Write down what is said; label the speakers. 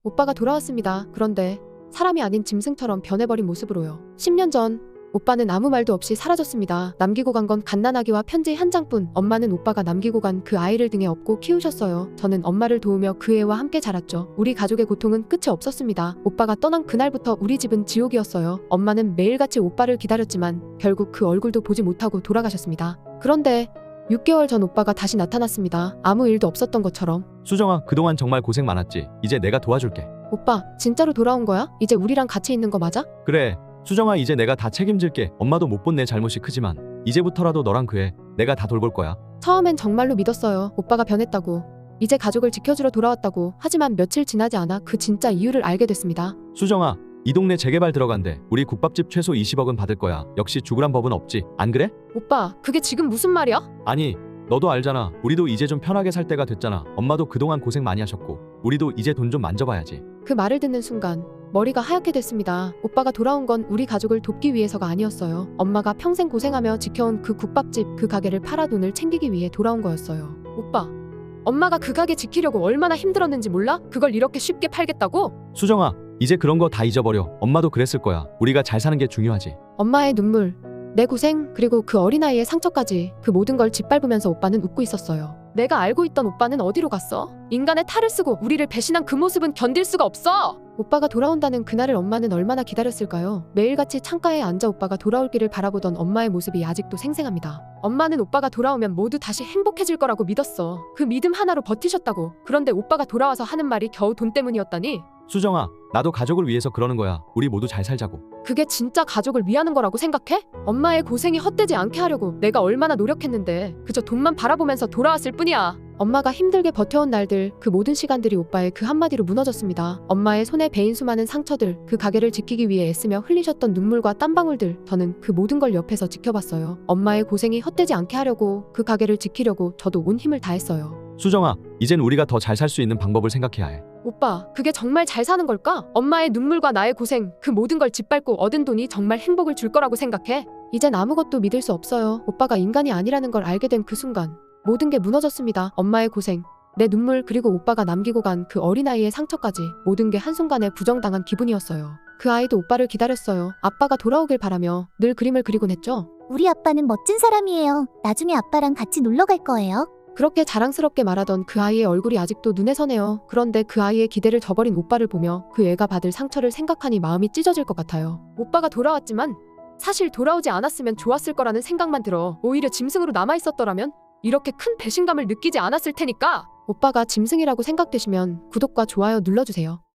Speaker 1: 오빠가 돌아왔습니다. 그런데 사람이 아닌 짐승처럼 변해버린 모습으로요. 10년 전 오빠는 아무 말도 없이 사라졌습니다. 남기고 간 건 갓난아기와 편지 한 장뿐. 엄마는 오빠가 남기고 간 그 아이를 등에 업고 키우셨어요. 저는 엄마를 도우며 그 애와 함께 자랐죠. 우리 가족의 고통은 끝이 없었습니다. 오빠가 떠난 그날부터 우리 집은 지옥이었어요. 엄마는 매일같이 오빠를 기다렸지만 결국 그 얼굴도 보지 못하고 돌아가셨습니다. 그런데 6개월 전 오빠가 다시 나타났습니다. 아무 일도 없었던 것처럼.
Speaker 2: 수정아, 그동안 정말 고생 많았지. 이제 내가 도와줄게.
Speaker 1: 오빠, 진짜로 돌아온 거야? 이제 우리랑 같이 있는 거 맞아?
Speaker 2: 그래, 수정아, 이제 내가 다 책임질게. 엄마도 못 본 내 잘못이 크지만 이제부터라도 너랑 그 애 내가 다 돌볼 거야.
Speaker 1: 처음엔 정말로 믿었어요. 오빠가 변했다고. 이제 가족을 지켜주러 돌아왔다고. 하지만 며칠 지나지 않아 그 진짜 이유를 알게 됐습니다.
Speaker 2: 수정아, 이 동네 재개발 들어간대. 우리 국밥집 최소 20억은 받을 거야. 역시 죽으란 법은 없지. 안 그래?
Speaker 1: 오빠, 그게 지금 무슨 말이야?
Speaker 2: 아니, 너도 알잖아. 우리도 이제 좀 편하게 살 때가 됐잖아. 엄마도 그동안 고생 많이 하셨고 우리도 이제 돈 좀 만져봐야지.
Speaker 1: 그 말을 듣는 순간 머리가 하얗게 됐습니다. 오빠가 돌아온 건 우리 가족을 돕기 위해서가 아니었어요. 엄마가 평생 고생하며 지켜온 그 국밥집, 그 가게를 팔아 돈을 챙기기 위해 돌아온 거였어요. 오빠, 엄마가 그 가게 지키려고 얼마나 힘들었는지 몰라? 그걸 이렇게 쉽게 팔겠다고?
Speaker 2: 수정아, 이제 그런 거 다 잊어버려. 엄마도 그랬을 거야. 우리가 잘 사는 게 중요하지.
Speaker 1: 엄마의 눈물, 내 고생, 그리고 그 어린아이의 상처까지, 그 모든 걸 짓밟으면서 오빠는 웃고 있었어요. 내가 알고 있던 오빠는 어디로 갔어? 인간의 탈을 쓰고 우리를 배신한 그 모습은 견딜 수가 없어! 오빠가 돌아온다는 그날을 엄마는 얼마나 기다렸을까요? 매일같이 창가에 앉아 오빠가 돌아올기를 바라보던 엄마의 모습이 아직도 생생합니다. 엄마는 오빠가 돌아오면 모두 다시 행복해질 거라고 믿었어. 그 믿음 하나로 버티셨다고. 그런데 오빠가 돌아와서 하는 말이 겨우 돈 때문이었다니?
Speaker 2: 수정아, 나도 가족을 위해서 그러는 거야. 우리 모두 잘 살자고.
Speaker 1: 그게 진짜 가족을 위하는 거라고 생각해? 엄마의 고생이 헛되지 않게 하려고 내가 얼마나 노력했는데 그저 돈만 바라보면서 돌아왔을 뿐이야. 엄마가 힘들게 버텨온 날들, 그 모든 시간들이 오빠의 그 한마디로 무너졌습니다. 엄마의 손에 베인 수많은 상처들, 그 가게를 지키기 위해 애쓰며 흘리셨던 눈물과 땀방울들, 저는 그 모든 걸 옆에서 지켜봤어요. 엄마의 고생이 헛되지 않게 하려고, 그 가게를 지키려고 저도 온 힘을 다했어요.
Speaker 2: 수정아, 이젠 우리가 더 잘 살 수 있는 방법을 생각해야 해.
Speaker 1: 오빠, 그게 정말 잘 사는 걸까? 엄마의 눈물과 나의 고생, 그 모든 걸 짓밟고 얻은 돈이 정말 행복을 줄 거라고 생각해? 이젠 아무것도 믿을 수 없어요. 오빠가 인간이 아니라는 걸 알게 된 그 순간 모든 게 무너졌습니다. 엄마의 고생, 내 눈물, 그리고 오빠가 남기고 간 그 어린아이의 상처까지 모든 게 한순간에 부정당한 기분이었어요. 그 아이도 오빠를 기다렸어요. 아빠가 돌아오길 바라며 늘 그림을 그리곤 했죠.
Speaker 3: 우리 아빠는 멋진 사람이에요. 나중에 아빠랑 같이 놀러 갈 거예요.
Speaker 1: 그렇게 자랑스럽게 말하던 그 아이의 얼굴이 아직도 눈에 선해요. 그런데 그 아이의 기대를 저버린 오빠를 보며 그 애가 받을 상처를 생각하니 마음이 찢어질 것 같아요. 오빠가 돌아왔지만 사실 돌아오지 않았으면 좋았을 거라는 생각만 들어. 오히려 짐승으로 남아있었더라면 이렇게 큰 배신감을 느끼지 않았을 테니까. 오빠가 짐승이라고 생각되시면 구독과 좋아요 눌러주세요.